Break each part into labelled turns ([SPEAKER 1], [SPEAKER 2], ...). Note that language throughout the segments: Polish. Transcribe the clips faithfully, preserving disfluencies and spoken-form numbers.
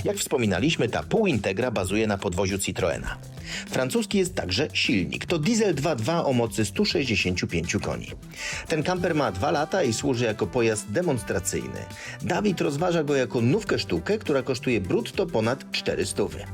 [SPEAKER 1] Jak wspominaliśmy, ta półintegra bazuje na podwoziu Citroena. Francuski jest także silnik. To diesel dwa dwa o mocy stu sześćdziesięciu pięciu koni. Ten kamper ma dwa lata i służy jako pojazd demonstracyjny. Dawid rozważa go jako nówkę sztukę, która kosztuje brutto ponad cztery stówy.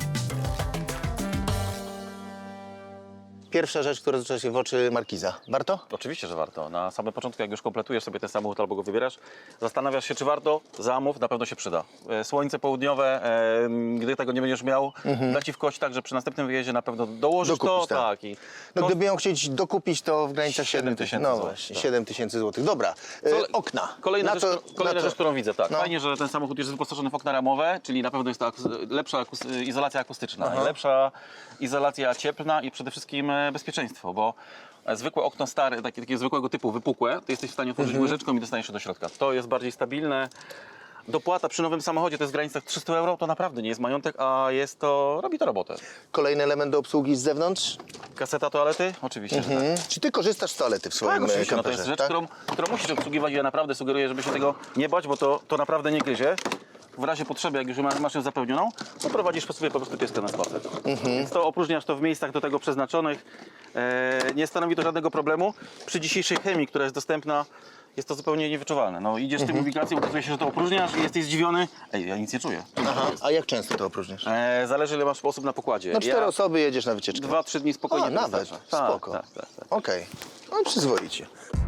[SPEAKER 1] Pierwsza rzecz, która rzuca się w oczy Markiza. Warto?
[SPEAKER 2] Oczywiście, że warto. Na samym początku, jak już kompletujesz sobie ten samochód albo go wybierasz, zastanawiasz się, czy warto, zamów, na pewno się przyda. E, Słońce południowe, e, gdy tego nie będziesz miał, mhm. da ci w kość tak, że przy następnym wyjeździe na pewno dołożysz
[SPEAKER 1] Dokupisz,
[SPEAKER 2] to.
[SPEAKER 1] tak.
[SPEAKER 2] Tak, i
[SPEAKER 1] No
[SPEAKER 2] koszt...
[SPEAKER 1] gdyby ją chcieć dokupić, to w granicach siedem tysięcy. No
[SPEAKER 2] złotych,
[SPEAKER 1] właśnie,
[SPEAKER 2] tak.
[SPEAKER 1] siedem tysięcy złotych. Dobra, e,
[SPEAKER 2] Kole...
[SPEAKER 1] okna.
[SPEAKER 2] Kolejna,
[SPEAKER 1] Na
[SPEAKER 2] rzecz,
[SPEAKER 1] to,
[SPEAKER 2] kolejna
[SPEAKER 1] na to...
[SPEAKER 2] rzecz, którą widzę, tak.
[SPEAKER 1] No.
[SPEAKER 2] Fajnie, że ten samochód jest wyposażony w okna ramowe, czyli na pewno jest to akus- lepsza akus- izolacja akustyczna,
[SPEAKER 1] Aha.
[SPEAKER 2] lepsza izolacja cieplna i przede wszystkim e, bezpieczeństwo, bo zwykłe okno stare, takie, takiego zwykłego typu, wypukłe, to jesteś w stanie otworzyć
[SPEAKER 1] Mhm.
[SPEAKER 2] łyżeczką i dostaniesz się do środka. To jest bardziej stabilne. Dopłata przy nowym samochodzie to jest w granicach trzysta euro, to naprawdę nie jest majątek, a jest to, robi to robotę.
[SPEAKER 1] Kolejny element do obsługi z zewnątrz.
[SPEAKER 2] Kaseta toalety? Oczywiście, że tak.
[SPEAKER 1] Mhm. Czy ty korzystasz z toalety w swoim
[SPEAKER 2] Tak, oczywiście, no to
[SPEAKER 1] kamperze?
[SPEAKER 2] jest rzecz,
[SPEAKER 1] tak?
[SPEAKER 2] którą, którą musisz obsługiwać i ja naprawdę sugeruję, żeby się tego nie bać, bo to, to naprawdę nie gryzie. W razie potrzeby, jak już ma- masz ją zapełnioną, to prowadzisz sobie po prostu pieskę na spacer.
[SPEAKER 1] Mhm.
[SPEAKER 2] Więc to opróżniasz to w miejscach do tego przeznaczonych. E, nie stanowi to żadnego problemu. Przy dzisiejszej chemii, która jest dostępna, jest to zupełnie niewyczuwalne. No, idziesz
[SPEAKER 1] Mhm.
[SPEAKER 2] tym ubikacją, okazuje się, że to opróżniasz i jesteś zdziwiony. Ej, ja nic nie czuję.
[SPEAKER 1] Aha, a jak często to opróżniasz?
[SPEAKER 2] E, zależy, ile masz osób na pokładzie.
[SPEAKER 1] No cztery
[SPEAKER 2] ja
[SPEAKER 1] osoby jedziesz na wycieczkę.
[SPEAKER 2] Dwa, trzy dni spokojnie
[SPEAKER 1] A,
[SPEAKER 2] to
[SPEAKER 1] nawet,
[SPEAKER 2] wystarcza. Tak,
[SPEAKER 1] spoko.
[SPEAKER 2] tak, tak, tak.
[SPEAKER 1] Okej, no przyzwoicie.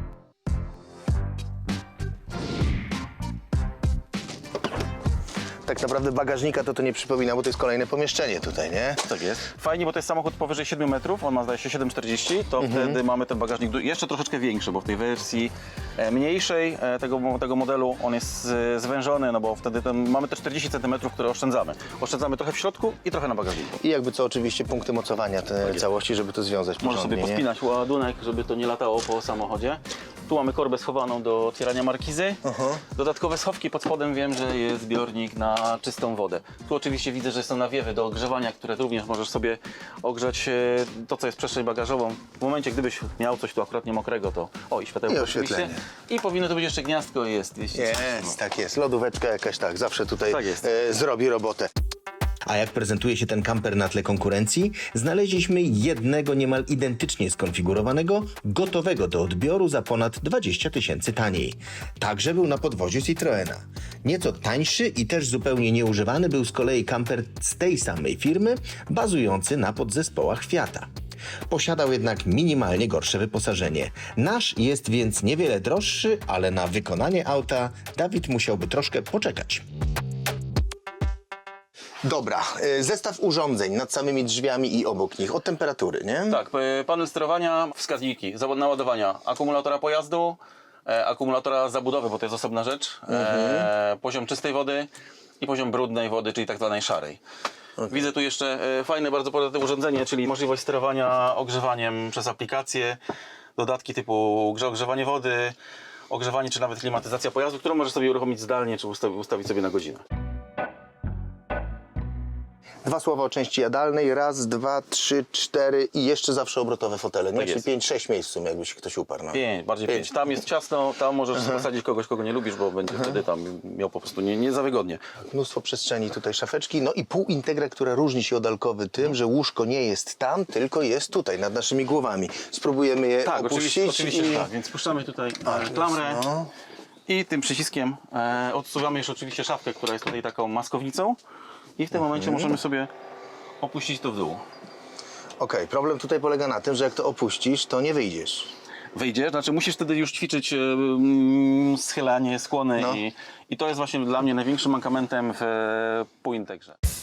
[SPEAKER 1] Tak naprawdę bagażnika to to nie przypomina, bo to jest kolejne pomieszczenie tutaj, nie?
[SPEAKER 2] Tak jest. Fajnie, bo to jest samochód powyżej siedmiu metrów, on ma zdaje się siedem czterdzieści, to wtedy mamy ten bagażnik du- jeszcze troszeczkę większy, bo w tej wersji e, mniejszej e, tego, tego modelu on jest e, zwężony, no bo wtedy ten, mamy te czterdzieści centymetrów, które oszczędzamy. Oszczędzamy trochę w środku i trochę na bagażniku.
[SPEAKER 1] I jakby co oczywiście punkty mocowania te
[SPEAKER 2] jest.
[SPEAKER 1] całości, żeby to związać
[SPEAKER 2] Możesz
[SPEAKER 1] porządnie,
[SPEAKER 2] sobie
[SPEAKER 1] nie?
[SPEAKER 2] pospinać ładunek, żeby to nie latało po samochodzie. Tu mamy korbę schowaną do otwierania markizy.
[SPEAKER 1] Aha.
[SPEAKER 2] Dodatkowe schowki pod spodem, wiem, że jest zbiornik na czystą wodę. Tu oczywiście widzę, że są nawiewy do ogrzewania, które również możesz sobie ogrzać e, to, co jest przestrzeń bagażową. W momencie, gdybyś miał coś tu akurat nie mokrego, to... O, i światełko
[SPEAKER 1] I
[SPEAKER 2] oczywiście.
[SPEAKER 1] oświetlenie.
[SPEAKER 2] I powinno to być jeszcze gniazdko, jest. Jeśli
[SPEAKER 1] Jest, tak jest. Lodóweczka jakaś tak, zawsze tutaj
[SPEAKER 2] Tak jest.
[SPEAKER 1] e, zrobi robotę. A jak prezentuje się ten kamper na tle konkurencji? Znaleźliśmy jednego niemal identycznie skonfigurowanego, gotowego do odbioru za ponad dwadzieścia tysięcy taniej. Także był na podwoziu Citroena. Nieco tańszy i też zupełnie nieużywany był z kolei kamper z tej samej firmy, bazujący na podzespołach Fiata. Posiadał jednak minimalnie gorsze wyposażenie. Nasz jest więc niewiele droższy, ale na wykonanie auta Dawid musiałby troszkę poczekać. Dobra, y, zestaw urządzeń nad samymi drzwiami i obok nich, od temperatury, nie?
[SPEAKER 2] Tak, e, panel sterowania, wskaźniki, zawód naładowania akumulatora pojazdu, e, akumulatora zabudowy, bo to jest osobna rzecz, e, poziom czystej wody i poziom brudnej wody, czyli tak zwanej szarej. Widzę tu jeszcze e, fajne, bardzo podatne urządzenie, czyli możliwość sterowania ogrzewaniem przez aplikację, dodatki typu grze- ogrzewanie wody, ogrzewanie czy nawet klimatyzacja pojazdu, którą możesz sobie uruchomić zdalnie czy ustawi- ustawić sobie na godzinę.
[SPEAKER 1] Dwa słowa o części jadalnej, raz, dwa, trzy, cztery i jeszcze zawsze obrotowe fotele, nie?
[SPEAKER 2] Tak
[SPEAKER 1] Czyli
[SPEAKER 2] jest.
[SPEAKER 1] pięć, sześć miejsc w sumie, jakby się ktoś uparł. No.
[SPEAKER 2] Pięć, bardziej pięć. Tam jest ciasno, tam możesz posadzić kogoś, kogo nie lubisz, bo będzie wtedy tam miał po prostu nie, nie za wygodnie.
[SPEAKER 1] Mnóstwo przestrzeni, tutaj szafeczki, no i półintegra, która różni się od alkowy tym, że łóżko nie jest tam, tylko jest tutaj, nad naszymi głowami. Spróbujemy je
[SPEAKER 2] Tak,
[SPEAKER 1] opuścić
[SPEAKER 2] oczywiście, oczywiście
[SPEAKER 1] i...
[SPEAKER 2] że tak, więc puszczamy tutaj e, klamrę
[SPEAKER 1] no.
[SPEAKER 2] i tym przyciskiem e, odsuwamy jeszcze oczywiście szafkę, która jest tutaj taką maskownicą i w tym momencie możemy sobie opuścić to w dół.
[SPEAKER 1] Okej, problem tutaj polega na tym, że jak to opuścisz, to nie wyjdziesz.
[SPEAKER 2] Wyjdziesz, znaczy musisz wtedy już ćwiczyć e, mm, schylanie, skłony
[SPEAKER 1] No.
[SPEAKER 2] i, i to jest właśnie dla mnie największym mankamentem w e, półintegrze.